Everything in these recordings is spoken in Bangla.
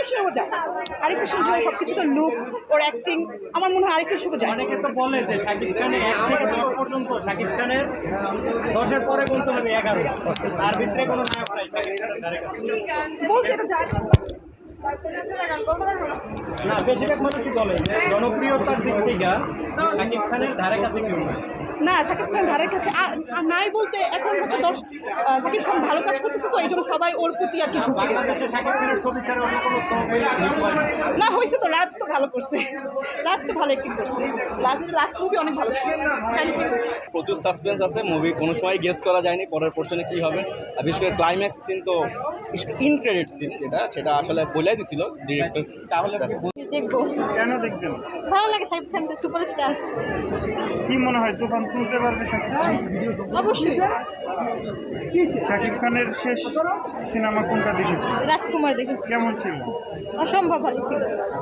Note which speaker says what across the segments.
Speaker 1: আরিফের শোও যায়, আরিফের শো যায় সবকিছু, তো লুক ওর অ্যাক্টিং, আমার মনে হয় আরিফের শো যায়।
Speaker 2: অনেকে তো বলে যে শাকিব খান 1 থেকে 10 পর্যন্ত, শাকিব খানের 10-এর পরে গুনতে হবে 11, তার ভিতরে কোনো নায়ক নাই শাকিব খানের ধারে কাছে।
Speaker 1: বলছি এটা যায়
Speaker 2: না, বেশিরভাগ মানুষই বলে যে জনপ্রিয়তার দিক থেকে শাকিব খানের ধারে কাছে কেউ নাই।
Speaker 1: না, শাকিব খান ধারের কাছে নাই বলতে এখন হচ্ছে শাকিব খান ভালো কাজ করতেছে, তো এই জন্য সবাই ওর প্রতি আর কিছু
Speaker 2: বাংলাদেশে শাকিব খানের ছবি ছাড়া অন্য কোনো ছবি হিট হয় না।
Speaker 1: না হয়েছে তো। রাজ তো ভালো করছে, রাজ তো ভালো অ্যাক্টিং করছে, রাজের লাস্ট মুভি অনেক ভালো ছিল। Thank you.
Speaker 3: প্রচুর সাসপেন্স আছে, মুভি কোনো সময় গেস করা যায়নি পরের পোর্শনে কী হবে। আর বিশেষ করে ক্লাইম্যাক্স সিন তো ইন ক্রেডিট সিন, সেটা আসলে বলে দিছিল ডিরেক্টর।
Speaker 2: তাহলে আপনি
Speaker 1: দেখবো,
Speaker 2: কেন দেখবেন?
Speaker 1: ভালো লাগে শাকিব খান সুপারস্টার।
Speaker 2: কি মনে হয় তুফান তুলতে পারবে শাকিব খান?
Speaker 1: অবশ্যই।
Speaker 2: শাকিব খানের শেষ সিনেমা কোনটা দেখেছি?
Speaker 1: রাজকুমার দেখেছি,
Speaker 2: কেমন ছিল?
Speaker 1: অসম্ভব ভালো ছিল।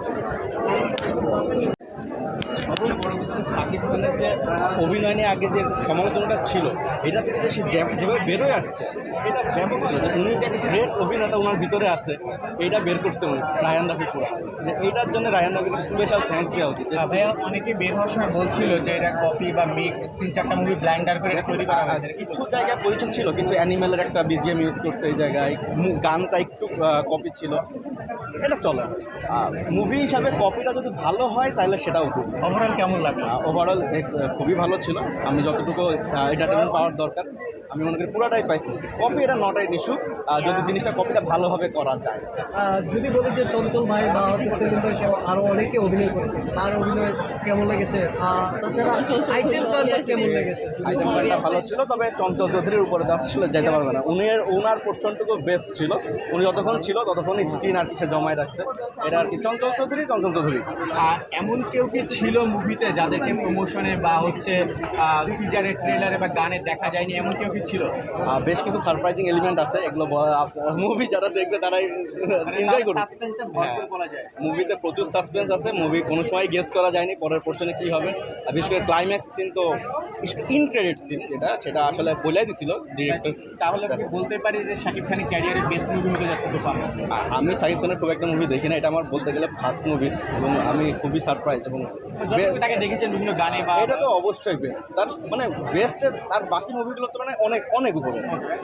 Speaker 3: সবচেয়ে বড় কথা শাকিব খানের যে অভিনয় নিয়ে আগে যে সমালোচনাটা ছিল, এটা থেকে যে সে যেভাবে বেরোয় আসছে, এটা ব্যাপক ছিল। যে উনি যে একটা গ্রেট অভিনেতা ওনার ভিতরে আছে, এইটা বের করতে উনি রায়ান রাফি পুরা, যে এইটার জন্য রায়ান রাফিকে স্পেশাল থ্যাঙ্কস দেওয়া উচিত।
Speaker 2: ভাইয়া অনেকে বের হওয়ার সময় বলছিল যে এটা কপি বা মিক্স, 3-4টা মুভি ব্লাইন্ডার করে এটা তৈরি করা হয়েছে।
Speaker 3: কিছু জায়গায় পজিশন ছিল, কিছু অ্যানিমেলের একটা বিজিএম ইউজ করছে এই জায়গায়, গানটা একটু কপি ছিল, এটা চলে। মুভি হিসাবে কপিটা যদি ভালো হয় তাহলে সেটাও খুব
Speaker 2: ওভারঅল কেমন লাগে?
Speaker 3: ওভারঅল খুবই ভালো ছিল। আমি যতটুকু এন্টারটেনমেন্ট পাওয়ার দরকার আমি মনে করি পুরাটাই পাইছি। কপি এটা নট এন ইস্যু, যদি জিনিসটা কপিটা ভালোভাবে করা যায়।
Speaker 4: যদি বলি যে চঞ্চল ভাই বা হচ্ছে সেলিম ভাই সহ আরও অনেকে অভিনয় করেছে, তার অভিনয় কেমন লেগেছে? তাছাড়া আইটেম গানটা কেমন লেগেছে?
Speaker 3: আইটেম গানটা ভালো ছিল, তবে চঞ্চল চৌধুরীর উপরে দেওয়া ছিল, যেতে পারবে না। ওনার পোর্শনটুকু বেস্ট ছিল, উনি যতক্ষণ ছিল ততক্ষণ স্ক্রিন আর কিছু জমায় রাখছে। এটা আর কি চঞ্চল চৌধুরী।
Speaker 2: আর এমন কেউ কি ছিল মুভিতে যাদেরকে প্রমোশনে বা হচ্ছে টিজারে, ট্রেলারে বা গানে দেখা যায়নি, এমন কেউ কি ছিল?
Speaker 3: বেশ কিছু সারপ্রাইজিং এলিমেন্ট আছে, এগুলো মুভি যারা দেখবে তারাই এনজয় করবে। মুভিতে প্রচুর সাসপেন্স আছে, মুভি কোনো সময় গেস করা যায়নি পরের পোর্শনে কী হবে। আর বিশেষ করে ক্লাইম্যাক্স সিন তো ইন ক্রেডিট সিন, সেটা আসলে বলে দিছিল ডিরেক্টর।
Speaker 2: তাহলে আমি বলতে পারি যে শাকিব খানের ক্যারিয়ারের বেস্ট মুভি হতে যাচ্ছে তুফান।
Speaker 3: আমি শাকিব খানের খুব একটা মুভি দেখি না, এটা আমার বলতে গেলে ফার্স্ট মুভি, এবং আমি খুবই সারপ্রাইজ। এবং
Speaker 2: তাকে দেখেছেন বিভিন্ন গানে বা
Speaker 3: এটা তো অবশ্যই বেস্ট, তার মানে বেস্টের তার বাকি মুভিগুলো তো মানে অনেক অনেক উপরে।